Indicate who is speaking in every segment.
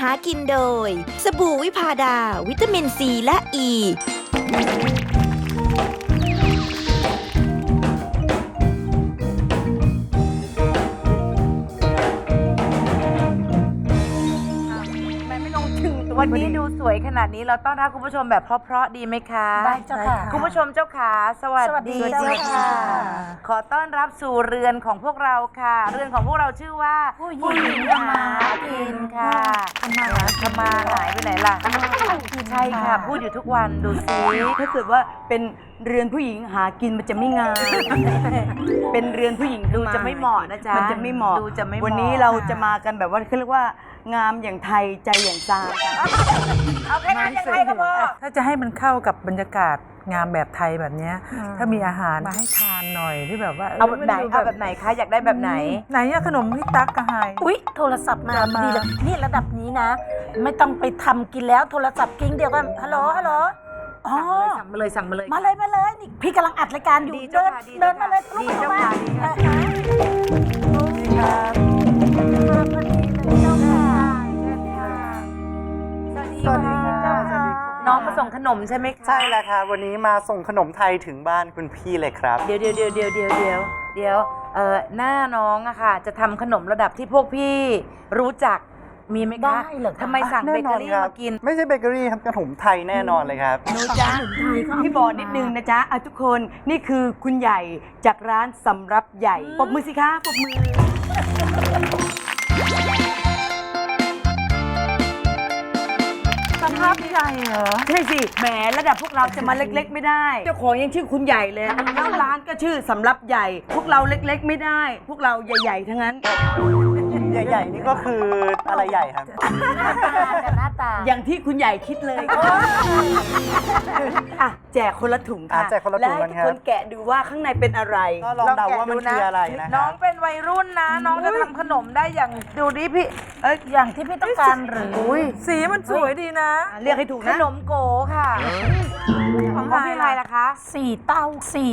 Speaker 1: ากินโดยสบู่วิพาดาวิตามินซีและอ e.
Speaker 2: วันนี้ดูสวยขนาดนี้เราต้อนรับคุณผู้ชมแบบเพราะๆดีไหมคะ
Speaker 3: ได้เจ้าค่ะ
Speaker 2: คุณผู้ชมเจ้าขาสวัสดี
Speaker 3: เจ้าค่ะ
Speaker 2: ขอต้อนรับสู่เรือนของพวกเราค่ะ เรือนของพวกเราชื่อว่าผู้หญิงทำมาหากินค่ะทำมาหายไปไหนล่ะใช่ค่ะพูดอยู่ทุกวันดูซิ
Speaker 4: ถ้าเกิดว่าเป็นเรือนผู้หญิงหากินมันจะไม่งาม เป็นเรือนผู้หญิง
Speaker 2: ดูจะไม่เหมาะนะจ๊ะ
Speaker 4: มันจะไม่เหมาะ
Speaker 2: ดูจะไม่เหมาะ
Speaker 4: วันนี้เราจะมากันแบบว่าเขาเรียกว่างามอย่างไทยใจอย่างซาง
Speaker 2: เอาแค่นั้นยังไงก็พอ
Speaker 3: ถ้าจะให้มันเข้ากับบรรยากาศงามแบบไทยแบบเนี้ยถ้ามีอาหารมาให้ทานหน่อยที่แบบว่า
Speaker 2: เอาแบบไหนเอาแบบไหนคะอยากได้แบบไหน
Speaker 3: ไหนอะขนมพี่ตั๊กกะไฮ
Speaker 5: อุ๊ยโทรศัพท์มา
Speaker 3: จะมา
Speaker 5: ดีเลยนี่ระดับนี้นะ ไม่ต้องไปทำกินแล้วโทรศัพท์กิ้งเดียวกันฮัลโหลอ๋อ
Speaker 2: สั่งมาเลย
Speaker 5: มาเลยนี่พี่กำลังอัดรายการอยู่
Speaker 2: ดีเจ้า
Speaker 5: เดิน
Speaker 2: ค่ะดี
Speaker 5: เดินมาเลย
Speaker 2: ดี
Speaker 5: ลุก
Speaker 2: เจ้า
Speaker 5: มา
Speaker 2: ค่ะดีเจ้าค่ะ
Speaker 5: พอดีเลยเจ้าค่ะ
Speaker 2: สวัสดีค่ะ
Speaker 5: เจ้าค่ะ
Speaker 2: น้องมาส่งขนมใช่ไหมคะ
Speaker 6: ใช่แล้วครับวันนี้มาส่งขนมไทยถึงบ้านคุณพี่เลยครับ
Speaker 2: เดี๋ยวหน้าน้องอะค่ะ จะทำขนมระดับที่พวกพี่รู้จักมีไหมคะ
Speaker 5: ได้เหรอคะ
Speaker 2: ทำไมสั่งเบ
Speaker 6: แน่
Speaker 2: เก
Speaker 6: นอ
Speaker 2: อน รี่
Speaker 6: ครับ
Speaker 2: มากิน
Speaker 6: ไม่ใช่เบเกอรี่ครับขนมไทยแน่นอนเลยครับ
Speaker 2: หนูจ้า
Speaker 4: พี่บอกนิดนึงนะจ๊ะทุกคนนี่คือคุณใหญ่จากร้านสำรับใหญ่ปรบมือสิคะปรบมือ
Speaker 3: สภาพใหญ่เหรอ
Speaker 4: ใช่สิแหมระดับพวกเราจะมาเล็กๆไม่ได้ เจ้าของยังชื่อคุณใหญ่เลยแล้วร้านก็ชื่อสำรับใหญ่ พวกเราเล็กๆไม่ได้ พวกเราใหญ่ๆทั้งนั้น
Speaker 6: ใหญ่ๆนี่ก็คืออะไรใหญ่ครับ
Speaker 5: หน้าตา
Speaker 4: อย่างที่คุณใหญ่คิดเลยอ่ะแจกคนละถุงค่ะ
Speaker 6: แจกคนละถุง
Speaker 4: และ
Speaker 6: กั
Speaker 4: ให้
Speaker 6: น
Speaker 4: ทุก
Speaker 6: ครับ
Speaker 4: คนแกะดูว่าข้างในเป็นอะไร
Speaker 6: ก็ลองเดาว่ามันคืออะไรนะค
Speaker 2: น้
Speaker 6: รั
Speaker 2: อง
Speaker 6: บ
Speaker 2: เป็นวัยรุ่นนะ น้องจะทำขนมได้อย่างดูดิพี่
Speaker 5: อย่างที่พี่ต้องการหรือ
Speaker 3: สีมันสวยดีนะ
Speaker 4: เรียกให้ถูก
Speaker 2: ข
Speaker 4: นะ
Speaker 2: นมโกค่ะ ของพี่อะไรล่ะคะ
Speaker 5: สี่เต้า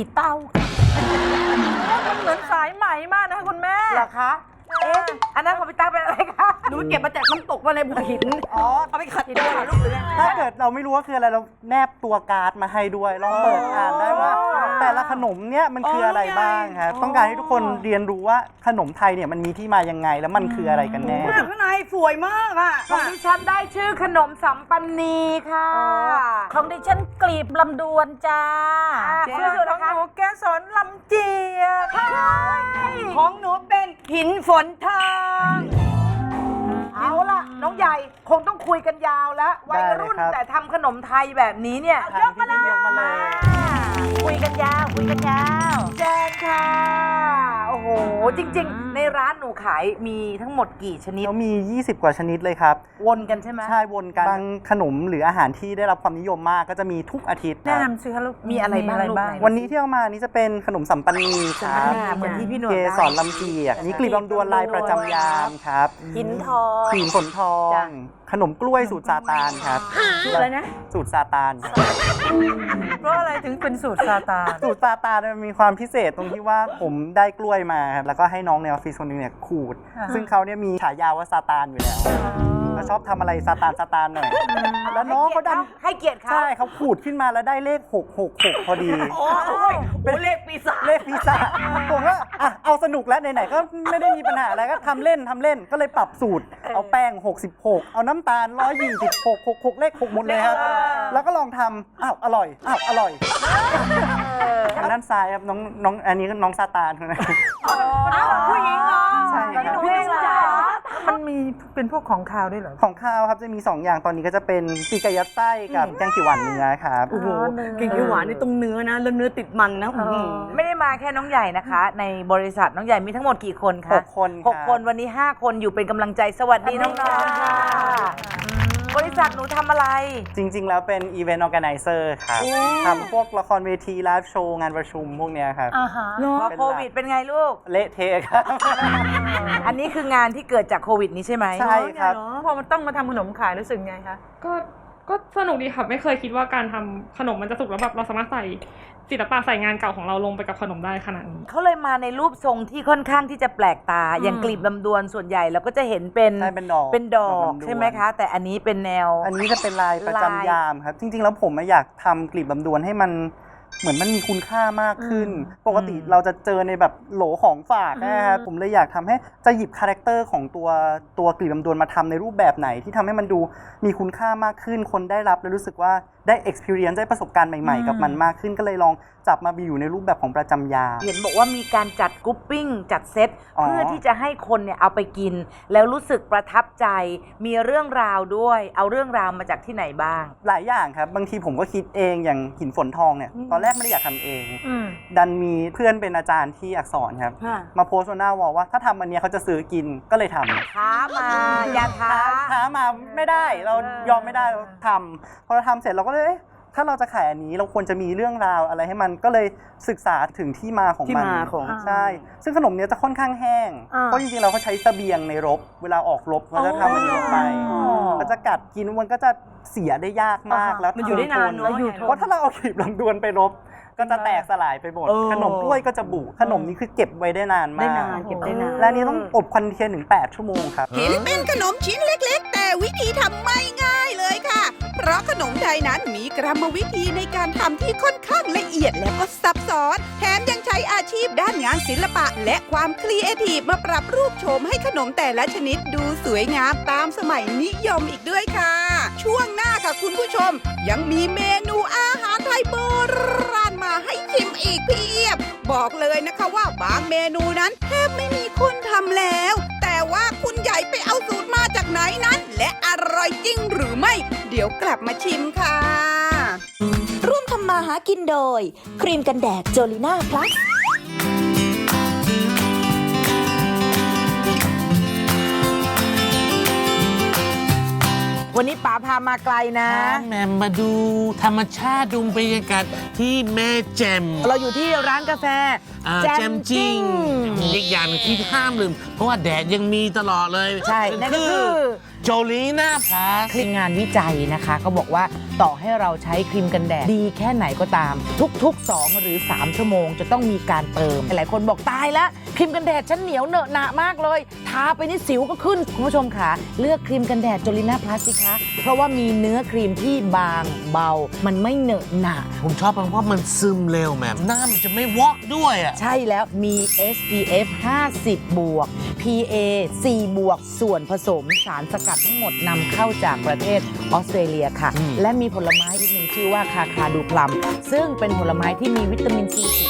Speaker 3: มันเหมือนสายไหมมากนะคะคุณแม่
Speaker 2: เหรอคะอันนั้นของพี่ตั๊กเป็นอะไรคะ
Speaker 4: หนูเก็บมาจากน้ำตกว่าในบ่อหินเอาไปขัดตัวลูกเลย
Speaker 6: ถ้าเกิดเราไม่รู้ว่าคืออะไรเราแนบตัวการ์ดมาให้ด้วยลองเปิดอ่านได้ว่า แต่ละขนมเนี่ยมันคืออะไรบ้างครับต้องการให้ทุกคนเรียนรู้ว่าขนมไทยเนี่ยมันมีที่มายังไงแล้วมันคืออะไรกันแน่
Speaker 4: ข้างในสวยมากอ่ะ
Speaker 2: ของดิฉันได้ชื่อขนมสัมปันนีค่ะ
Speaker 5: ของดิฉันกลีบลำดวนจ้า
Speaker 2: เจ๊
Speaker 3: ชื่อของหนูแกสอนลำเจียก
Speaker 4: ของหนูเป็นหินฝนทอง
Speaker 2: เอาล่ะ น้องใหญ่คงต้องคุยกันยาวแล้ววัยรุ่น
Speaker 6: ได้เลยครับ
Speaker 2: แต่ทำขนมไทยแบบนี้เนี่ย
Speaker 6: ยกมาเลย
Speaker 5: คุยกันยาว
Speaker 2: แจนค่ะ โอ้โห จริง ๆ ในร้านหนูขายมีทั้งหมดกี่ชนิด
Speaker 6: เขามี 20 กว่าชนิดเลยครับ
Speaker 2: วนกันใช่ไหม
Speaker 6: ใช่วนกันบางขนมหรืออาหารที่ได้รับความนิยมมากก็จะมีทุกอาทิตย์ค
Speaker 3: แนะ
Speaker 6: รับ
Speaker 3: นำสิคะลูก
Speaker 2: มีอะไรบ้างลูกไหน
Speaker 6: วันนี้ที่เอามานี่จะเป็นขนมสัมปันนีครับ
Speaker 2: เหมือนที่พี่หนวด
Speaker 6: เก
Speaker 2: ได้
Speaker 6: สรลำเจียกนี่กลีบลำดวนลายประจำยามครับ
Speaker 5: หินทอง
Speaker 6: ขีมฝนทอง ขนมกล้วยสูตรซาตานครับ
Speaker 4: อะไรนะ
Speaker 6: สูตรซาตาน
Speaker 3: เพราะอะไรถึงเป็นสูตรซาตาน
Speaker 6: สูตรซาตานมันมีความพิเศษตรงที่ว่าผมได้กล้วยมาครับแล้วก็ให้น้องในออฟฟิศคนหนึงเนี่ยขูด ซึ่งเขาเนี่ยมีฉายาว่าซาตานอยู่แล้วเขาชอบทำอะไรซาตานหน่อยแล้วน้องเขาดัน
Speaker 2: ให้เกียรติเขา
Speaker 6: ใช่เขาขูดขึ้นมาแล้วได้เลข 666 พอดี
Speaker 4: โอ้ยเป็นเลขปีศาจ
Speaker 6: เลขพิซซ่าผมว่าอ่ะเอาสนุกแล้วไหนๆก็ไม่ได้มีปัญหาอะไรก็ทำเล่นก็เลยปรับสูตร เอาแป้ง 66 เอาน้ำตาล 126 เลข 6 หมดเลยครับ แล้วก็ลองทำอ้าวอร่อยทางด้านซ้ายครับน้องอันนี้ก็น้องซาตานคนนั้น
Speaker 4: ผู้หญิงเหรอ
Speaker 6: ใช่ครับ
Speaker 4: พี่หนูจ๋า
Speaker 3: มันมีเป็นพวกของคาวด้วยเหรอ
Speaker 6: ของข้าวครับจะมี 2 อย่างตอนนี้ก็จะเป็นปีกไก่ยัดไส้กับแกงเขียวหวานเนื้อครับ
Speaker 4: โอ้โหเก่งเขียวหวานนี่ตรงเนื้อนะแล้วเนื้อติดมันนะอื้อหือ
Speaker 2: ไม่ได้มาแค่น้องใหญ่นะคะ ในบริษัทน้องใหญ่มีทั้งหมดกี่คนคะ
Speaker 6: 6 คนครับ
Speaker 2: 6 คนวันนี้ 5 คนอยู่เป็นกำลังใจสวัสดีน้องๆค่ะ บริษัทหนูทำอะไร
Speaker 6: จริง ๆ แล้วเป็นอีเวนต์ออร์แกไนเซอร์ครับทำพวกละครเวทีไลฟ์โชว์งานประชุมพวกเนี้ยครับ
Speaker 5: อ่าฮะ
Speaker 2: พอโควิดเป็นไงลูก
Speaker 6: เละเทะครับ
Speaker 2: อันนี้คืองานที่เกิดจากโควิดนี้ใช่ไหม
Speaker 6: ใช่ครับ
Speaker 3: พอมันต้องมาทำขนมขายรู้สึกไงคะ
Speaker 7: ก็สนุกดีค่ะ ไม่เคยคิดว่าการทำขนมมันจะสุกแล้วแบบเราสามารถใส่ศิลปะใส่งานเก่าของเราลงไปกับขนมได้ขนาดนี้
Speaker 2: เขาเลยมาในรูปทรงที่ค่อนข้างที่จะแปลกตา อย่างกลีบลำดวนส่วนใหญ่เราก็จะเห็นเป็น
Speaker 6: ใช่เป็นดอก
Speaker 2: เป็นดอก
Speaker 6: ลำดวน
Speaker 2: ใช่ไหมคะ แต่อันนี้เป็นแนว
Speaker 6: อันนี้จะเป็นลายประจำยามครับ จริงๆแล้วผมอยากทำกลีบลำดวนให้มันเหมือนมันมีคุณค่ามากขึ้น ปกติเราจะเจอในแบบโหลของฝากนะครับผมเลยอยากทำให้จะหยิบคาแรคเตอร์ของตัวกลีบลำดวนมาทำในรูปแบบไหนที่ทำให้มันดูมีคุณค่ามากขึ้นคนได้รับแล้วรู้สึกว่าได้ experience ได้ประสบการณ์ใหม่ๆกับมันมากขึ้นก็เลยลองจับมาอยู่ในรูปแบบของประจำยาม
Speaker 2: เห็นบอกว่ามีการจัดกรุ๊ปปิ้งจัดเซต
Speaker 6: อ๋อ
Speaker 2: เพื่อที่จะให้คนเนี่ยเอาไปกิน แล้วรู้สึกประทับใจมีเรื่องราวด้วย เอาเรื่องราวมาจากที่ไหนบ้าง
Speaker 6: หลายอย่างครับบางทีผมก็คิดเองอย่างหินฝนทองเนี่ยตอนแรกไม่ได้อยากทำเอง ดันมีเพื่อนเป็นอาจารย์ที่อักษรครับมาโพสต์บนหน้าวอลว่าถ้าทำอันเนี้ยเขาจะซื้อกินก็เลยทำ
Speaker 2: ท้ามาอย่าท้า
Speaker 6: ท้ามาไม่ได้เรายอมไม่ได้เราทำพอเราทำเสร็จเราก็เลยเอ๊ะถ้าเราจะขายอันนี้เราควรจะมีเรื่องราวอะไรให้มันก็เลยศึกษาถึงที่มาของมัน
Speaker 4: ที่มาของ
Speaker 6: ใช่ซึ่งขนมเนี้ยจะค่อนข้างแห้งเพราะจริงๆเราก็ใช้เสบียงในรบเวลาออกรบเราจะทำมันนี้ลงไปก็จะกัดกินมันก็จะเสียได้ยากมากแล้ว
Speaker 4: มันอยู่ได้นานเนอะ
Speaker 6: เพราะถ้าเราเอาขีบลำดวนไปรบก็จะแตกสลายไปหมดขนมกล้วยก็จะบุขนมนี้คือเก็บไว้ได้นานมาก
Speaker 4: ได้นานเก็บได้นาน
Speaker 6: และอันนี้ต้องอบควันเทียนถึง8ชั่วโมงครับ
Speaker 8: เห็นเป็นขนมชิ้นเล็กๆ แต่วิธีทำไม่ง่ายเลยค่ะ เพราะขนมไทยนั้นมีกรรมวิธีในการทำที่ค่อนข้างละเอียดและก็ซับซ้อน แถมยังใช้อาชีพด้านงานศิลปะ และความครีเอทีฟมาปรับรูปโฉมให้ขนมแต่ละชนิดดูสวยงามตามสมัยนิยมอีกด้วยค่ะ ช่วงหน้าค่ะคุณผู้ชม ยังมีเมนูอาหารไทยโบราณมาให้ชิมอีกเพียบ บอกเลยนะคะว่าบางเมนูนั้นแทบไม่มีคนทำแล้ว แต่ว่าคุณใหญ่ไปเอาสูตรมาจากไหนนั้น และอร่อยจริงหรือไม่ เดี๋ยวกลับมาชิมค่ะ
Speaker 1: ร่วมทำมาหากินโดย ครีมกันแดดโจลิน่าพลัส
Speaker 2: วันนี้ป๋าพามาไกลนะ
Speaker 9: แหม่มมาดูธรรมชาติดูบรรยากาศที่แม่แจ่ม
Speaker 2: เราอยู่ที่ร้านกาแฟ
Speaker 9: แจ่มจริงมีอีกอย่างหนึ่งที่ห้ามลืม เพราะว่าแดดยังมีตลอดเลย
Speaker 2: ใช่นั่นก็คือ
Speaker 9: โจลีน่าพลัส
Speaker 2: คืองานวิจัยนะคะเขาบอกว่าต่อให้เราใช้ครีมกันแดดดีแค่ไหนก็ตาม ทุกๆ 2 หรือ 3 ชั่วโมงจะต้องมีการเติม หลายคนบอกตายแล้วครีมกันแดดฉันเหนียวเหนอะหนามากเลย ทาไปนี่สิวก็ขึ้น คุณผู้ชมค่ะเลือกครีมกันแดดโจลิน่าพลัสสิคะเพราะว่ามีเนื้อครีมที่บางเบา มันไม่เหนอะหนา
Speaker 9: ผมชอบเพราะว่ามันซึมเร็วแหม่มหน้ามันจะไม่วอกด้วยอ่ะ
Speaker 2: ใช่แล้วมี SPF 50 บวก PA 4 บวกส่วนผสมสารสกัดทั้งหมดนำเข้าจากประเทศออสเตรเลียค่ะ และมีผลไม้อีกหนึ่งชื่อว่าคาคาดูพลัมซึ่งเป็นผลไม้ที่มีวิตามินซีสูง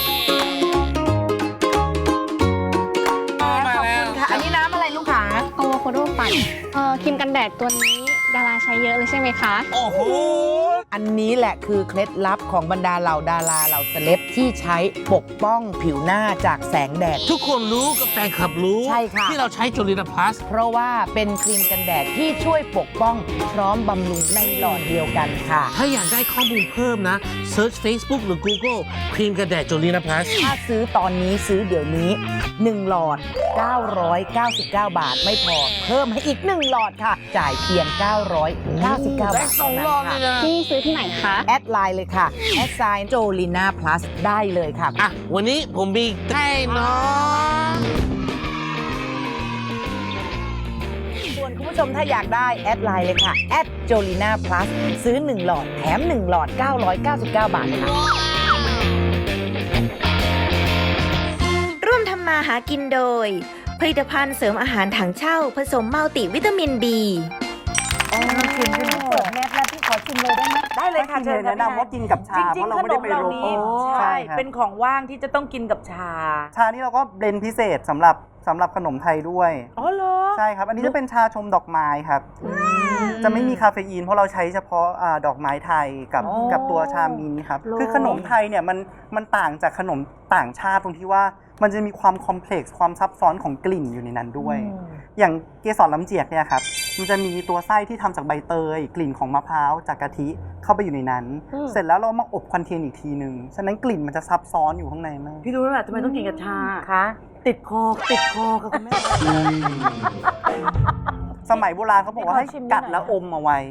Speaker 2: ขอบคุณค่ะ อันนี้น้ำอะไรลูกค้า
Speaker 10: อะโวคาโดปั่นครีมกันแดดตัวนี้ดาราใช้เยอะเลยใช่ไหมคะ
Speaker 9: โอ้โห
Speaker 2: อันนี้แหละคือเคล็ดลับของบรรดาเหล่าดาราเหล่าเซเลบที่ใช้ปกป้องผิวหน้าจากแสงแดด
Speaker 9: ทุกคนรู้กับแฟนคลับรู้
Speaker 2: ใช่ค่ะ
Speaker 9: ที่เราใช้โจลีน่าพลัส
Speaker 2: เพราะว่าเป็นครีมกันแดดที่ช่วยปกป้องพร้อมบำรุงในหลอดเดียวกันค่ะ
Speaker 9: ถ้าอยากได้ข้อมูลเพิ่มนะ Search Facebook หรือ Google ครีมกันแดดโจลีน่าพลัส
Speaker 2: ถ้าซื้อตอนนี้ซื้อเดี๋ยวนี้ 1 หลอด 999 บาทไม่พอ เพิ่มให้อีก 1 หลอดค่ะ จ่ายเพียง 999 บาท
Speaker 9: ได้สองหลอดเลยนะ
Speaker 10: ที่ซื้อที่ไหนคะ
Speaker 2: แอดไลน์เลยค่ะ แอดไซน์โจลิน่าพลัสได้เลยค่ะ
Speaker 9: อ่ะ วันนี้ผมมีให้น้อง
Speaker 2: ส่วนคุณผู้ชมถ้าอยากได้แอดไลน์เลยค่ะ แอดโจลิน่าพลัสซื้อ 1 หลอดแถม 1 หลอด 999 บาทค่ะ
Speaker 1: ร่วมทำมาหากินโดย ผลิตภัณฑ์เสริมอาหารถังเช่าผสมมัลติวิตามิน B
Speaker 5: เปิดแมสแล้วพี่ขอชิมเลยได้ไหม
Speaker 2: ได้เลยค่ะ
Speaker 6: ถ้ากินเลยแนะนำว่ากินกับชา
Speaker 2: จริง
Speaker 6: เพราะ
Speaker 2: ๆ
Speaker 6: เราไม่ได้ไปรบ
Speaker 2: ขนมเหล่านี้
Speaker 6: ใช่
Speaker 2: ใช่
Speaker 6: ครับ
Speaker 2: เป็นของว่างที่จะต้องกินกับชา
Speaker 6: ชานี่เราก็เบลนด์พิเศษสำหรับขนมไทยด้วย
Speaker 2: อ๋อเหรอ
Speaker 6: ใช่ครับ อันนี้จะเป็นชาชมดอกไม้ครับ จะไม่มีคาเฟอีนเพราะเราใช้เฉพาะดอกไม้ไทยกับตัวชามินท์ครับ คือขนมไทยเนี่ยมันต่างจากขนมต่างชาติตรงที่ว่ามันจะมีความคอมเพล็กซ์ความซับซ้อนของกลิ่นอยู่ในนั้นด้วย อย่างเกสรลำเจียกเนี่ยครับ มันจะมีตัวไส้ที่ทำจากใบเตย กลิ่นของมะพร้าวจากกะทิเข้าไปอยู่ในนั้น เสร็จแล้วเรามาอบควันเทียนอีกทีนึง ฉะนั้นกลิ่นมันจะซับซ้อนอยู่ข้างในมาก
Speaker 4: พี่รู้แล้วแหละทำไมต้องกินกับชา
Speaker 2: คะ
Speaker 4: ติดคอค่ะคุณแม่
Speaker 6: สมัยโบราณเขาบอกว่าให้กัดแล้วอมเอาไว้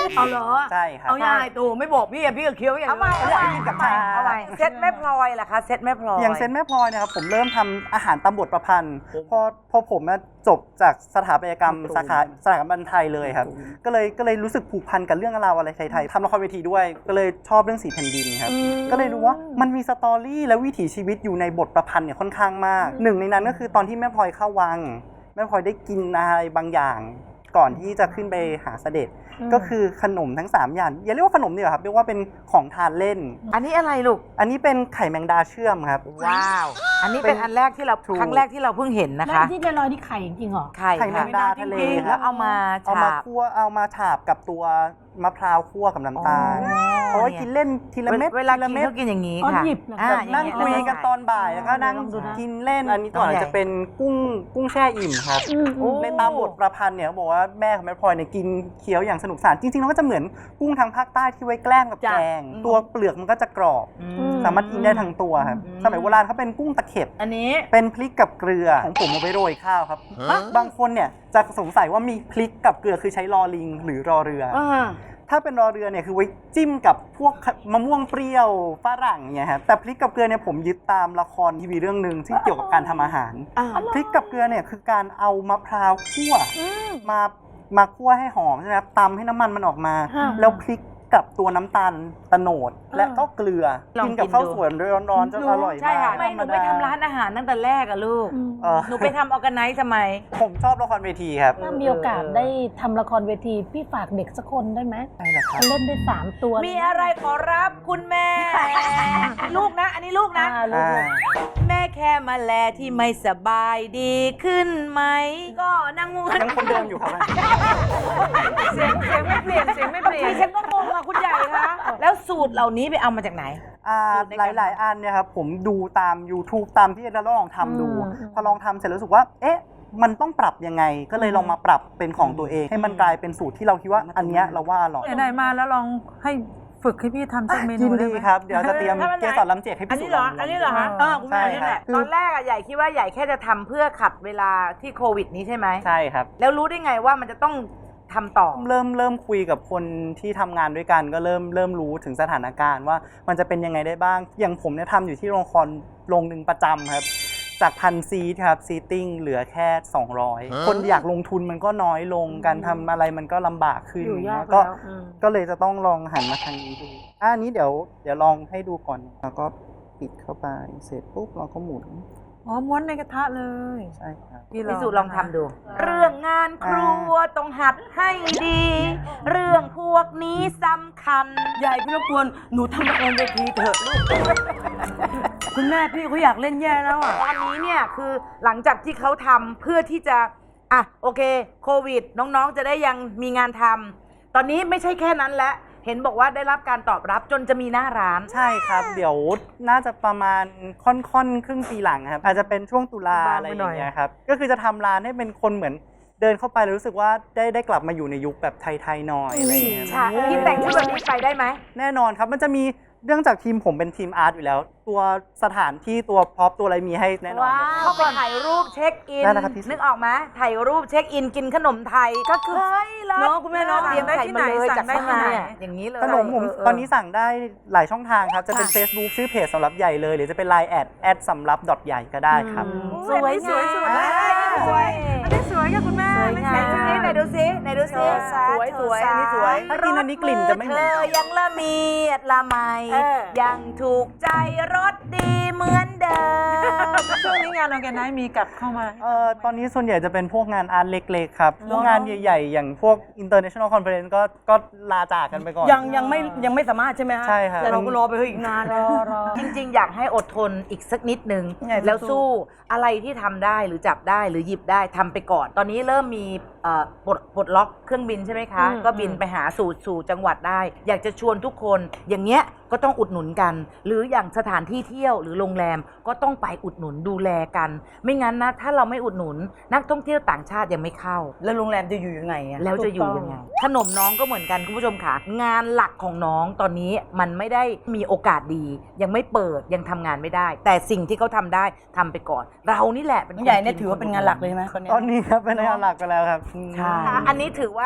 Speaker 4: เอาเหรอ
Speaker 6: ใช่ครับ
Speaker 4: เอายายตู่ไม่บอกพี่อะพี่ก็เคี้ยวอย่าง
Speaker 2: เอาใหม่เอาใหม่
Speaker 6: กับชา
Speaker 2: เอาใหม่เซ็ตแม่พลอยล่ะคะเซ็ตแม่พลอย
Speaker 6: อย่างเซนแม่พลอยเนี่ยครับผมเริ่มทำอาหารตามบทประพันธ์พอผมจบจากสถาปัตยกรรมสาขาสถาบันไทยเลยครับก็เลยรู้สึกผูกพันกับเรื่องราวอะไรไทยๆทำละครเวทีด้วยก็เลยชอบเรื่องสีแผ่นดินครับก็เลยรู้ว่ามันมีสตอรี่และวิถีชีวิตอยู่ในบทประพันธ์เนี่ยค่อนข้างมากหนึ่งในนั้นก็คือตอนที่แม่พลอยเข้าวังแม่พลอยได้กินอะไรบางอย่างก่อนที่จะขึ้นไปหาเสด็จก็คือขนมทั้ง3อย่างอย่าเรียกว่าขนมดีกว่าครับเรียกว่าเป็นของทานเล่น
Speaker 2: อันนี้อะไรลูก
Speaker 6: อันนี้เป็นไข่แมงดาเชื่อมครับ
Speaker 2: ว้าว อันนี้เป็นอันแรกที่เรา
Speaker 6: ถูก
Speaker 2: ครั้งแรกที่เราเพิ่งเห็นนะ
Speaker 5: แล้ว
Speaker 2: คะ
Speaker 5: ที่ลอยนี่ไข่จริงๆเหรอ
Speaker 2: ไข่
Speaker 6: ไข่แมงดาทะเล
Speaker 2: แล้วเอามา
Speaker 6: เอามา
Speaker 2: ฉาบ
Speaker 6: คั่วเอามาฉาบกับตัวมะพร้าวคั่วกับน้ำตาล
Speaker 2: อ๋อ
Speaker 6: เพราะว่ากินเล่นทีละเม็ด
Speaker 2: เวลา
Speaker 6: ทีละ
Speaker 2: กิน
Speaker 6: เม็ด
Speaker 2: เขากินอย่างนี้
Speaker 5: อ๋อ
Speaker 2: ค่ะ
Speaker 5: หยิบเหรอ
Speaker 2: อ่า
Speaker 6: นั่ง
Speaker 2: อาง
Speaker 6: คุย
Speaker 2: นี้
Speaker 6: กันตอนบ่ายแล้วก็นั่ง
Speaker 5: ลองดูนะ
Speaker 6: กินเล่นอันนี้ก่อนจะเป็นกุ้งแช่อิ่มครับในตามบทประพันธ์เนี่ยเขาบอกว่าแม่ของแม่พลอยเนี่ยกินเคี้ยวอย่างสนุกสนานจริงๆแล้วก็จะเหมือนกุ้งทางภาคใต้ที่ไว้แกล้มกับแกงตัวเปลือกมันก็จะกรอบสามารถกินได้ทั้งตัวครับสมัยโบราณเขาเป็นกุ้งตะเข็บ
Speaker 2: อันนี้
Speaker 6: เป็นพริกกับเกลือของผมเอาไปโรยข้าวครับบางคนเนี่ยจะสงสัยว่ามีพริกกับเกลือคือใช้รอลิงหรือรอเรือ ถ้าเป็นรอเรือเนี่ยคือไว้จิ้มกับพวกมะม่วงเปรี้ยวฝรั่งเนี่ยครับแต่พริกกับเกลือเนี่ยผมยึดตามละครทีวีเรื่องหนึ่งที่เกี่ยวกับการทำอาหารพริกกับเกลือเนี่ยคือการเอามะพร้าวคั่วมาคั่วให้หอมใช่ไหมครับตำให้น้ำมันมันออกมาแล้วพริกกับตัวน้ำตาลตะโนดและก็เกลือ
Speaker 2: ลอง
Speaker 6: กินกับ
Speaker 2: กิน
Speaker 6: ข้าว
Speaker 2: ดู
Speaker 6: สวยร้อนๆจะอร่อย
Speaker 2: ใช่
Speaker 6: มา
Speaker 2: ค่ะ
Speaker 6: ก
Speaker 2: ไม่หนูไปทำร้านอาหารตั้งแต่แรกอะลูก หนูไปทำออร์แกไนซ์ทำไม
Speaker 6: ผมชอบละครเวทีครับ
Speaker 5: ถ้ามีโอกาสได้ทำละครเวทีพี่ฝากเด็กสักคนได้ไหม
Speaker 6: ได้เหรอครับ
Speaker 5: เล่นได้3 ตัว
Speaker 2: มีอะไรขอรับคุณแม่ ลูกนะ อันนี้ลูกนะ
Speaker 5: ลูก
Speaker 2: แม่แค่มาแลที่ไม่สบายดีขึ้นไหม ก็นั่งมู
Speaker 6: ยังคนเดิมอยู่ครับ
Speaker 2: เสียงไม่เปลี่ยนดิฉันก็งงอะคุณใหญ่คะแล้วสูตรเหล่านี้ไปเอามาจากไหน
Speaker 6: หลายๆอันเนี่ยครับผมดูตาม YouTube ตามที่เราลองทำดู พอลองทำเสร็จแล้วรู้สึกว่าเอ๊ะมันต้องปรับยังไงก็เลยลองมาปรับเป็นของตัวเอง ให้มันกลายเป็นสูตรที่เราคิดว่าอันเนี้ยเราว่าอร่อย
Speaker 3: ไหนๆมาแล้วลองให้ฝึกให้พี่ทำสักเมนู
Speaker 6: ยิน
Speaker 3: ได้
Speaker 6: ดี
Speaker 3: ไหม
Speaker 6: ครับ เดี๋ยวจะเตรียม
Speaker 2: ถ้ามันไหน
Speaker 6: เกสรลำเจียกให้
Speaker 2: อัน
Speaker 6: พี่
Speaker 2: นี้
Speaker 6: สุ
Speaker 2: เหรอ
Speaker 6: ลอง
Speaker 2: อันนี้เหรอฮะ
Speaker 6: ใช่
Speaker 2: นี่
Speaker 6: ค
Speaker 2: แห
Speaker 6: รั
Speaker 2: ละ
Speaker 6: บ
Speaker 2: ตอนแรกอะใหญ่คิดว่าใหญ่แค่จะทำเพื่อขัดเวลาที่โควิดนี้ใช่ไหม
Speaker 6: ใช่ครับ
Speaker 2: แล้วรู้ได้ไงว่ามันจะต้องทำต่อ
Speaker 6: เริ่มคุยกับคนที่ทำงานด้วยกันก็เริ่มรู้ถึงสถานการณ์ว่ามันจะเป็นยังไงได้บ้าง อย่างผมเนี่ยทำอยู่ที่โรงละครโรงหนึ่งประจำครับจาก1,000 ซีทครับซีติ้งเหลือแค่ 200 คนอยากลงทุนมันก็น้อยลงการทำอะไรมันก็ลำบากขึ้น
Speaker 5: อยู่ยาก
Speaker 6: ก็
Speaker 5: แล้ว
Speaker 6: ก็เลยจะต้องลองหันมาทางนี้ดูอันนี้เดี๋ยวลองให้ดูก่อนแล้วก็ปิดเข้าไปเสร็จปุ๊บเราก็หมุน
Speaker 3: อ๋อม้วนในกระทะเลย
Speaker 6: ใช่ครับ
Speaker 2: พี่สุลองทำดู เรื่องงานครัวต้องหัดให้ดี เรื่องพวกนี้สำคัญ
Speaker 4: ใหญ่พี่รบกวนหนูทำละครเวทีเถอะลูก คุณแม่พี่เขาอยากเล่นแย่แล้วอ่ะ
Speaker 2: ตอนนี้เนี่ยคือหลังจากที่เขาทำเพื่อที่จะอ่ะโอเคโควิดน้องๆจะได้ยังมีงานทำตอนนี้ไม่ใช่แค่นั้นแล้วเห็นบอกว่าได้รับการตอบรับจนจะมีหน้าร้าน
Speaker 6: ใช่ครับ เดี๋ยวน่าจะประมาณค่อนครึ่งปีหลังครับอาจจะเป็นช่วงตุลาอะไรอย่างเงี้ยครับก็คือจะทำร้านให้เป็นคนเหมือนเดินเข้าไปแล้วรู้สึกว่าได้กลับมาอยู่ในยุคแบบไทยๆหน่อยอะไรอย่างเงี้ย
Speaker 2: ใช่พี่แต่งชุดแบบนี้ไปได้ไหม
Speaker 6: แน่นอนครับมันจะมีเรื่องจากทีมผมเป็นทีมอาร์ตอยู่แล้ว ตัวสถานที่ตัวพร็อพตัวอะไรมีให้แน่นอน
Speaker 2: ว้าวเข้าไปถ่ายรูปเช็คอิน
Speaker 6: ได้นะครับพี่
Speaker 2: นึกออกไหมถ่ายรูปเช็คอินกินขนมไทยก็คือเฮ้ยแล้ว
Speaker 4: เนอะคุณแม่เนอะ
Speaker 2: เตรียมใส่มาเลย
Speaker 3: สั่
Speaker 2: จาก
Speaker 3: งได้
Speaker 2: ข้าง
Speaker 3: ที่
Speaker 2: ใน
Speaker 3: ไหน
Speaker 2: อะอย่างนี้เลย
Speaker 6: ขนมผมตอนนี้สั่งได้หลายช่องทางครับจะเป็น Facebook ชื่อเพจสำหรับใหญ่เลย หรือจะเป็น Line แอดสำหรับใหญ่ก็ได้ครับ
Speaker 2: สวยงาม
Speaker 3: สวยอันนี้สวยค่ะคุณแม่
Speaker 2: สวยงามไหนดูซิไหนดูซิ
Speaker 4: สวยอันนี้สวย
Speaker 6: ถ้ากินอันนี้กลิ่นจะไม่เหมือนกัน
Speaker 2: ธอยังละเมียดละไมยังถูกใจรสดีเหมือนเดิม
Speaker 3: ช่วงนี้งานออร์แกไนซ์มีกลับเข้ามา
Speaker 6: ตอนนี้ส่วนใหญ่จะเป็นพวกงานอาร์ตเล็กๆครับพวกงานใหญ่ๆ อย่างพวก international conference ก็ลาจากกันไปก่อน
Speaker 4: ยังไม่สามารถใช่ไหมฮะ
Speaker 6: ใช่ครับ
Speaker 4: แต่เราก็รอไปเฮ้ยอีกนานเลย
Speaker 2: จริงๆ อยากให้อดทนอีกสักนิดนึง
Speaker 4: ใหญ่
Speaker 2: แล้ว
Speaker 4: สู้
Speaker 2: สู้อะไรที่ทำได้หรือจับได้หรือหยิบได้ทำไปก่อน ตอนนี้เริ่มมีปลดล็อกเครื่องบินใช่ไหมคะ ก็บินไปหาสู่จังหวัดได้ อยากจะชวนทุกคนอย่างเงี้ยก็ต้องอุดหนุนกัน หรืออย่างสถานที่เที่ยวหรือโรงแรมก็ต้องไปอุดหนุนดูแลกัน ไม่งั้นนะถ้าเราไม่อุดหนุนนักท่องเที่ยวต่างชาติยังไม่เข้า
Speaker 4: แล้วโรงแรมจะอยู่ยังไงอะ
Speaker 2: แล้วจะอยู่ยังไง ขนมน้องก็เหมือนกันคุณผู้ชมค่ะ งานหลักของน้องตอนนี้มันไม่ได้มีโอกาสดี ยังไม่เปิดยังทำงานไม่ได้ แต่สิ่งที่เขาทำได้ทำไปก่อน เรานี่แหละเป็นคน
Speaker 4: ใหญ่เนี่ยถือว่าเป็นงานหลักเลยไหมคนเนี้ย
Speaker 6: ตอนนี้ครับเป็นงานหลักไปแล้วครับ
Speaker 2: ใช่อันนี้ถือว่า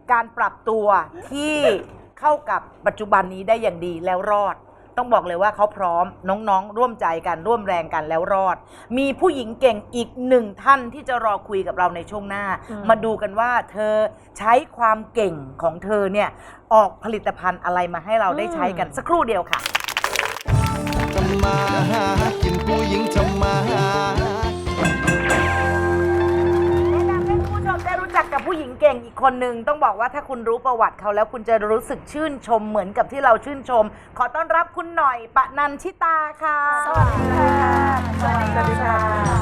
Speaker 2: การปรับตัวที่เข้ากับปัจจุบันนี้ได้อย่างดีแล้วรอด ต้องบอกเลยว่าเขาพร้อมน้องๆ ร่วมใจกันร่วมแรงกันแล้วรอด มีผู้หญิงเก่งอีกหนึ่งท่านที่จะรอคุยกับเราในช่วงหน้า มาดูกันว่าเธอใช้ความเก่งของเธอเนี่ยออกผลิตภัณฑ์อะไรมาให้เราได้ใช้กันสักครู่เดียวค่ะ
Speaker 11: ทำมาหากินผู้หญิงทำมาหา
Speaker 2: แนะนำให้คุณผู้ชมได้รู้จักกับผู้หญิงเก่งอีกคนหนึ่งต้องบอกว่าถ้าคุณรู้ประวัติเขาแล้วคุณจะรู้สึกชื่นชมเหมือนกับที่เราชื่นชม ขอต้อนรับคุณหน่อยปนัญชิตาค่ะสวัสดีค่ะสวัสดีค่ะ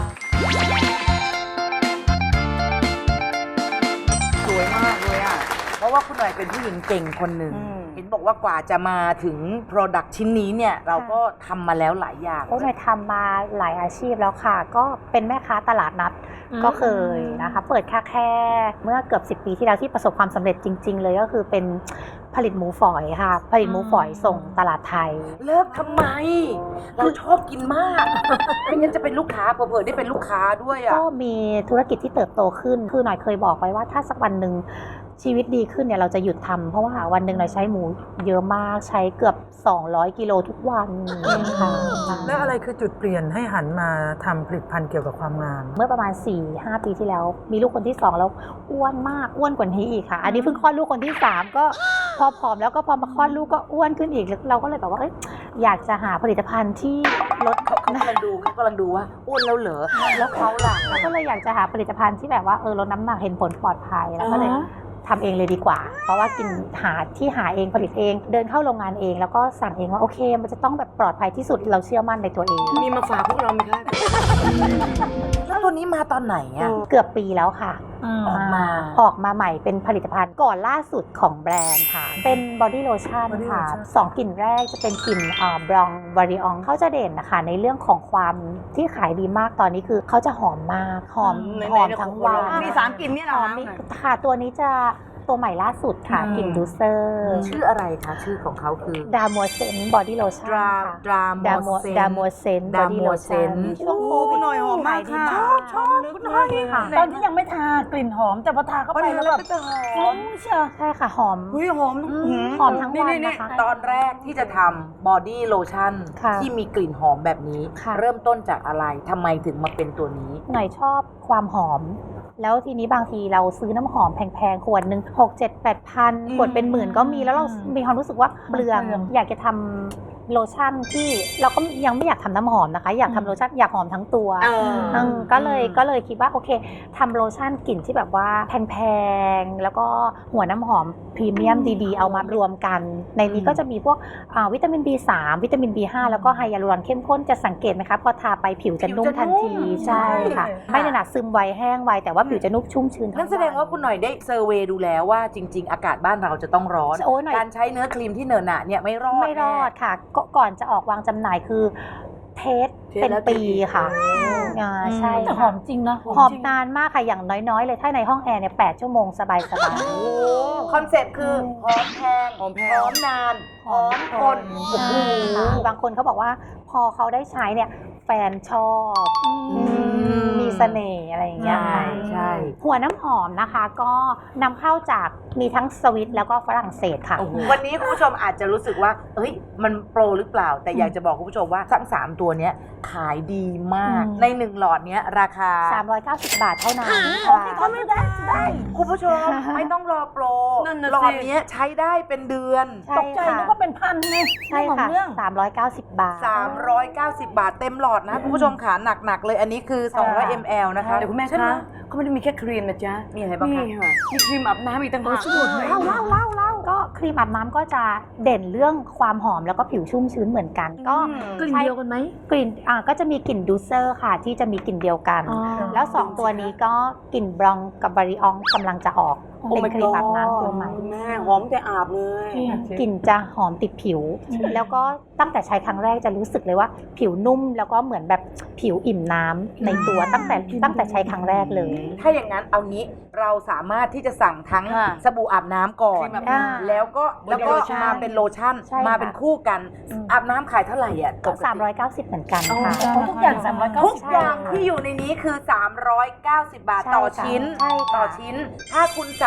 Speaker 2: สวยมากเลยอ่ะเพราะว่าคุณหน่อยเป็นผู้หญิงเก่งคนหนึ่งเห็นบอกว่ากว่าจะมาถึง Product ชิ้นนี้เนี่ยเราก็ทำมาแล้วหลายอย่าง
Speaker 12: โอ้หน่อยทำมาหลายอาชีพแล้วค่ะ ก็เป็นแม่ค้าตลาดนัดก็เคยนะคะ เปิดแค่เมื่อเกือบ10 ปีที่แล้วที่ประสบความสำเร็จจริง ๆ เลยก็คือเป็นผลิตหมูฝอยค่ะ ผลิตหมูฝอยส่งตลาดไทย
Speaker 2: เลิกทำไม เราชอบกินมากไม่งั้นจะเป็นลูกค้าเผื่อๆได้เป็นลูกค้าด้วยอ่ะ
Speaker 12: ก็มีธุรกิจที่เติบโตขึ้น คือหน่อยเคยบอกไว้ว่าถ้าสักวันหนึ่งชีวิตดีขึ้นเนี่ยเราจะหยุดทำเพราะว่าวันหนึ่งหน่อยใช้หมูเยอะมากใช้เกือบ200 กิโลทุกวันค่ะ
Speaker 3: แล้วอะไรคือจุดเปลี่ยนให้หันมาทำผลิตภัณฑ์เกี่ยวกับความงาม
Speaker 12: เมื่อประมาณ 4-5 ปีที่แล้วมีลูกคนที่2แล้วอ้วนมากอ้วนกว่านี้อีกค่ะอันนี้เพิ่งคลอดลูกคนที่3ก็พอผอมแล้วก็พอมาคลอดลูกก็อ้วนขึ้นอีกเราก็เลยแบบว่าอยากจะหาผลิตภัณฑ์ที่ลด
Speaker 2: เขากำลังดูว่าอ้วนแล้วเหรอแล้วเขาล่ะ
Speaker 12: เราก็เลยอยากจะหาผลิตภัณฑ์ที่แบบว่าลดน้ำหนักเห็นผลปลอดภัยแล้วก็เลยทำเองเลยดีกว่า เพราะว่ากินหาเองผลิตเองเดินเข้าโรงงานเองแล้วก็สั่งเองว่าโอเคมันจะต้องแบบปลอดภัยที่สุดเราเชื่อมั่นในตัวเอง
Speaker 4: มีมาฝากพวกเราไหมคะ
Speaker 2: แล้วตัวนี้มาตอนไหนอ่ะ
Speaker 12: เกือบปีแล้วค่ะ
Speaker 2: ออกมา
Speaker 12: ใหม่เป็นผลิตภัณฑ์ก่อนล่าสุดของแบรนด์ค่ะเป็นบอดี้โลชั่นค่ะ2กลิ่นแรกจะเป็นกลิ่นบลองวาริอองเขาจะเด่นนะคะในเรื่องของความที่ขายดีมากตอนนี้คือเขาจะหอมมากหอมทั้งวัน
Speaker 4: มี3กลิ่นเนี่ยเหร
Speaker 12: ห
Speaker 4: อ
Speaker 12: อมมีค่ะตัวนี้จะตัวใหม่ล่าสุดค่ะกลิ่นดูเซอร์
Speaker 2: ชื่ออะไรคะชื่อของเขาคือ
Speaker 12: ดามัวเซนบอดี้โลชั่นค่ะ
Speaker 2: ดราโมเซน
Speaker 12: บอดี้โลชั่นช่วงโควิด
Speaker 4: หน่อยหอมมากค่ะ
Speaker 12: ชอบคุณน้อยค่ะ
Speaker 5: ตอนที่ยังไม่ทากลิ่นหอมแต่พอทาเข้าไปแล้วแบบหอมเชียว
Speaker 12: ใช่ค่ะหอม
Speaker 4: เฮ้ยหอม
Speaker 12: หอมทั้งวันนะคะ
Speaker 2: ตอนแรกที่จะทำบอดี้โลชั่น
Speaker 12: ค่ะ
Speaker 2: ที่มีกลิ่นหอมแบบนี้
Speaker 12: ค่ะ
Speaker 2: เริ่มต้นจากอะไรทำไมถึงมาเป็นตัวนี้
Speaker 12: หน่อยชอบความหอม แล้วทีนี้บางทีเราซื้อน้ำหอมแพงๆขวดหนึ่ง6-7-8 พันขวดเป็นหมื่นก็มีแล้วเรามีความรู้สึกว่าเปลืองอยากจะทำโลชั่นที่เราก็ยังไม่อยากทำน้ำหอมนะคะ อยากทำโลชั่นอยากหอมทั้งตัวก็เลยคิดว่าโอเคทำโลชั่นกลิ่นที่แบบว่าแพงๆแล้วก็หัวน้ำหอมพรีเมียมดีๆเอามารวมกันในนี้ก็จะมีพวกวิตามิน B3 วิตามิน B5 แล้วก็ไฮยาลูรอนเข้มข้นจะสังเกตไหมคะพอทาไปผิวจะนุ่มทันทีใช่ค่ะไม่ได้หนาซึมไวแห้งไวแต่ว่าผิวจะนุ่มชุ่มชื้น
Speaker 2: นั่นแสดงว่าคุณหน่อยได้เซอร์เวย์ดูแล้วว่าจริง ๆ อากาศบ้านเราจะต้องร้อน
Speaker 12: โอ้ยหน่อย
Speaker 2: การใช้เนื้อครีมที่เหนอะหนะเนี่ยไม่รอด
Speaker 12: ไม่รอดค่ะก่อนจะออกวางจำหน่ายคือเทสเป็นปีค่ะใช่
Speaker 5: แต่หอมจริงนะ
Speaker 12: หอมนานมากค่ะอย่างน้อยๆเลยถ้าในห้องแอร์เนี่ย8 ชั่วโมงสบาย
Speaker 2: คอนเซ็ปต์คือหอมแพงหอมนานหอมทน
Speaker 12: บางคนเขาบอกว่าพอเขาได้ใช้เนี่ยแฟนชอบมีเสน่ห์อะไรอย่างเงี้ย
Speaker 2: ใช่
Speaker 12: หัวน้ำหอมนะคะก็นำเข้าจากมีทั้งสวิตแล้วก็ฝรั่งเศสค่ะ
Speaker 2: วันนี้คุณผู้ชมอาจจะรู้สึกว่าเฮ้ยมันโปรหรือเปล่า แต่อยากจะบอกคุณผู้ชมว่าทั้ง3ตัวเนี้ยขายดีมากใน1หลอดเนี้ยราคา
Speaker 12: 390 บาทเท่านั้น
Speaker 5: ก็ไม่ได้
Speaker 2: คุณผู้ชมไม่ต้องรอโปร
Speaker 4: นั่นน่ะสิ
Speaker 2: หลอดเนี้ยใช้ได้เป็นเดือน
Speaker 12: ใช่
Speaker 5: ตกใจนึกว่าเป็นพันไง
Speaker 12: ใช่ค่ะ
Speaker 5: เรื่อง
Speaker 12: 390 บาท
Speaker 2: 390 บาทเต็มหลอดนะคุณผู้ชมขาหนักๆเลยอันนี้คือ200 ml นะคะ
Speaker 4: เดี๋ยวคุณแม่
Speaker 2: ใช่ไห
Speaker 4: คะเขาไม่ได้มีแค่ครีมนะจ๊ะ
Speaker 2: มีอะไรบ้างคะ
Speaker 4: นี่ค่ะมีครีมอาบน้ำอีกต่างหาก
Speaker 12: เล่าก็ครีมอาบน้ำก็จะเด่นเรื่องความหอมแล้วก็ผิวชุ่มชื้นเหมือนกัน ก็
Speaker 5: กลิ่นเดียวกันไหม
Speaker 12: กลิ่นก็จะมีกลิ่นดูเซอร์ค่ะที่จะมีกลิ่นเดียวกัน แล้ว 2 ตัวนี้ก็กลิ่นบลองกับบาริอองกำลังจะออกเป็นครีมอาบน้ำตัวใหม่
Speaker 4: แม่หอมแต่อาบเลย
Speaker 12: กลิ่นจะหอมติดผิว แล้วก็ตั้งแต่ใช้ครั้งแรกจะรู้สึกเลยว่าผิวนุ่มแล้วก็เหมือนแบบผิวอิ่มน้ำในตัวตั้งแต่ใช้ครั้งแรกเลย
Speaker 2: ถ้าอย่างนั้นเอางี้เราสามารถที่จะสั่งทั้งสบู่อาบน้ำก่อน แล้วก็มาเป็นโลชั่น
Speaker 12: ใช่ค่ะ
Speaker 2: มาเป็นคู่กันอาบน้ำขายเท่าไหร่อ่ะ
Speaker 12: ก็390เหมือนกันค่ะ
Speaker 5: ทุกอย่าง390
Speaker 2: ทุกอย่างที่อยู่ในนี้คือ 390 บาทต่อชิ้น
Speaker 12: ใช่ค่ะ
Speaker 2: ต่อชิ้น ถ้าคุณสั่ง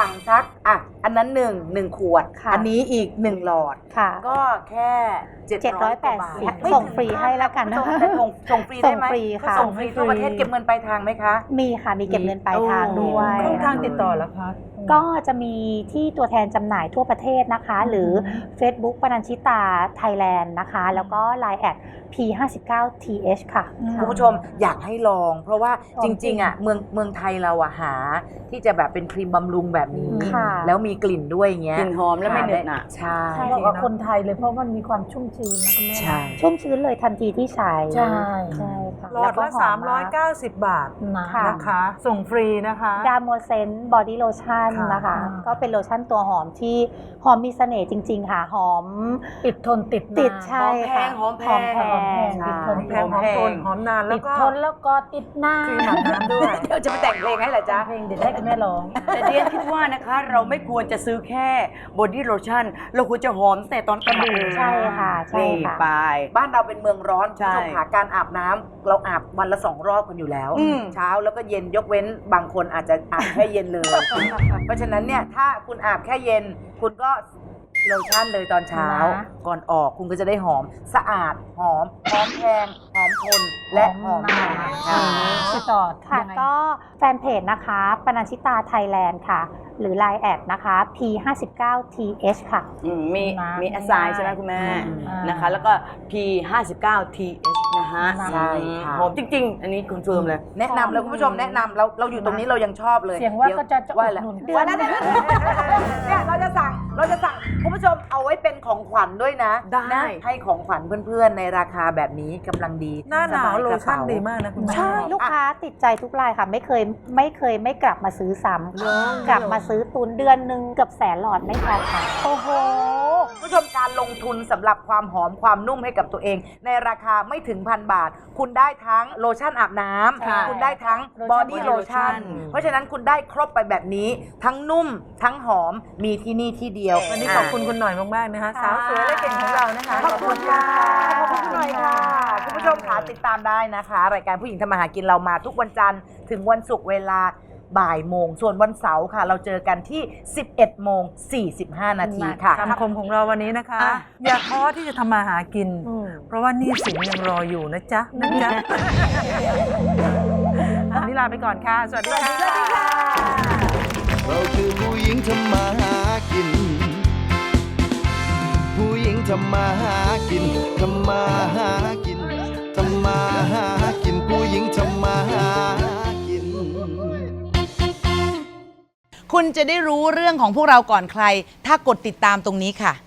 Speaker 2: สั่งสักอันนั้น1 ขวด
Speaker 12: ค่ะ
Speaker 2: อันนี้อีก1 หลอด
Speaker 12: ค่ะ
Speaker 2: ก็แค่700 กว่าบาท
Speaker 12: 780ส่งฟรีให้แล้วกันนะ
Speaker 2: ส่งฟรีได้ไหม
Speaker 12: ส่งฟรีค่ะ
Speaker 2: ส่งฟรีทั่วประเทศเก็บเงินปลายทางไหมคะ
Speaker 12: มีค่ะ มีเก็บเงินปลายทางด้วย
Speaker 3: ช่องทางติดต่อแล้วคะ
Speaker 12: ก็จะมีที่ตัวแทนจำหน่ายทั่วประเทศนะคะ หรือ Facebook ปนัญชิตาไทยแลนด์นะคะ แล้วก็ Line แอด P59TH ค่ะ
Speaker 2: คุณผู้ชมอยากให้ลอง เพราะว่าจริงๆเมืองไทยเราหาที่จะแบบเป็นครีมบำรุงแบบนี้
Speaker 12: ค่ะ
Speaker 2: แล้วมีกลิ่นด้วยอย่างเงี้ย
Speaker 4: กลิ่นหอมและไม่เหนอะหนะ
Speaker 2: ใช่
Speaker 5: บอกว่าคนไทยเลยเพราะมันมีความชุ่มชื้นนะคุณแม่
Speaker 2: ใช่
Speaker 12: ชุ่มชื้นเลยทันทีที่ใช้
Speaker 5: ใช่
Speaker 12: ใช่ค่ะ
Speaker 3: หลอด
Speaker 12: แว
Speaker 3: ละ
Speaker 12: ก็หอมมาก
Speaker 3: 390 บาท
Speaker 12: ค่ะ
Speaker 3: นะคะ ส่งฟรีนะคะ
Speaker 12: ดามโมเซนบอดี้โลชั่น
Speaker 3: ค่ะ
Speaker 12: นะคะ ก็เป็นโลชั่นตัวหอมที่หอมมีเสน่ห์จริง ๆ ค่ะ หอม
Speaker 5: ติดทนติด
Speaker 12: ติด
Speaker 5: นาน
Speaker 12: ใช่ค่ะ
Speaker 4: หอมแพง
Speaker 12: หอมแพง
Speaker 5: ติดทน
Speaker 3: แพงหอมทนหอมนานแล้
Speaker 5: ติ
Speaker 3: ว
Speaker 5: ด
Speaker 3: ก็
Speaker 5: ทนแล้วก็ติดหน้า
Speaker 3: ครีมอาบน้ำด้วย
Speaker 2: เดี๋ยวจะไปแต่งเพลงให้เหรอจ๊ะ
Speaker 5: เพลงเด็ดให้คุณแม่ร้อง
Speaker 4: แต่เดียนคิดว่านะคะ เราไม่ควรจะซื้อแค่บอดี้โลชั่น เราควรจะหอมตั้งแต่ตอนกระดูก
Speaker 12: ใช่ค่ะใช่
Speaker 4: นี่
Speaker 12: ค่ะ
Speaker 4: ไป
Speaker 2: บ้านเราเป็นเมืองร้อน
Speaker 4: ใช่
Speaker 2: คุณผู้ชมค่ะการอาบน้ำเราอาบวันละ2 รอบกันอยู่แล้ว เช้าแล้วก็เย็นยกเว้นบางคนอาจจะอาบแค่เย็นเลย เพราะฉะนั้นเนี่ยถ้าคุณอาบแค่เย็น คุณก็โลชั่นเลยตอนเช้า
Speaker 12: นะ
Speaker 2: ก่อนออกคุณก็จะได้หอมสะอาดหอมแพงหอมทนและหอมนานค่ะ
Speaker 5: ติดต่อ
Speaker 12: ค่ะ
Speaker 5: ยังไง
Speaker 12: ก็แฟนเพจนะคะปนัญชิตาไทยแลนด์ค่ะ หรือ Line แอดนะคะ P59TH ค่ะ
Speaker 4: มี
Speaker 5: นะ
Speaker 4: มีแอสไซน์ใช่ไหมคุณแม่
Speaker 5: อ่าน
Speaker 4: นะคะ แล้วก็ P59TH นะฮะ
Speaker 2: ใช่ค่ะ
Speaker 4: หอมจริง ๆ อันนี้คอนเฟิร์มเลย
Speaker 2: แนะนำเลยคุณผู้ชมแนะนำเราอยู่ตรงนี้เรายังชอบเลย
Speaker 5: เสียงว่าก็จะ
Speaker 2: ว่า
Speaker 5: อุด
Speaker 2: แล้ว
Speaker 5: หนุน
Speaker 2: ว่าแล้วเนี่ยเราจะสั่งคุณผู้ชมเอาไว้เป็นของขวัญด้วยนะ
Speaker 4: ได้
Speaker 2: นะให้ของขวัญเพื่อนๆในราคาแบบนี้กำลังดี
Speaker 3: หน้าหนาว
Speaker 2: สบย
Speaker 3: โล
Speaker 2: กระ
Speaker 3: ชั่น
Speaker 2: เป๋
Speaker 3: ดีมากนะคุณแม่
Speaker 12: ใช่ลูกค้าติดใจทุกรายค่ะ ไม่เคยไม่กลับมาซื้อซ้ำกลับมาซื้อตุนเดือนหนึงเกือบ100,000 หลอดไม่พอค่ะ
Speaker 2: โอ้โหคุณผู้ชมการลงทุนสำหรับความหอมความนุ่มให้กับตัวเอง ในราคาไม่ถึง1,000 บาท คุณได้ทั้งโลชั่นอาบน้ำคุณได้ทั้งบอดี้โลชั่นเพราะฉะนั้นคุณได้ครบไปแบบนี้ ทั้งนุ่มทั้งหอมมีที่นี่ที่เดียว
Speaker 3: วันนี้ขอบคุณคุณหน่อยมากๆนะคะ สาวสวยและเก่งของเรานะคะ
Speaker 2: ขอบคุณค่ะขอบคุณหน่อยค่ะคุณผู้ชมค่ะติดตามได้นะคะ รายการผู้หญิงทำมาหากินเรามาทุกวันจันทร์ถึงวันศุกร์เวลาบ่ายโมงส่วนวันเสาร์ค่ะ เราเจอกันที่ 11:45 นาทีค่ะ
Speaker 3: คำคมของเราวันนี้นะคะ อย่าท้อที่จะทำมาหากิน เพราะว่าหนี้สินยังรออยู่นะจ๊ะนะจ๊ะวันนี้ลาไปก่อนค่ะ สวัสดีค่ะ
Speaker 11: เราคือผู้หญิงทำมาหากิน ผู้หญิงทำมาหากินทำมาหากินทำมาหากินผู้หญิงทำมาหากิน
Speaker 2: คุณจะได้รู้เรื่องของพวกเราก่อนใคร ถ้ากดติดตามตรงนี้ค่ะ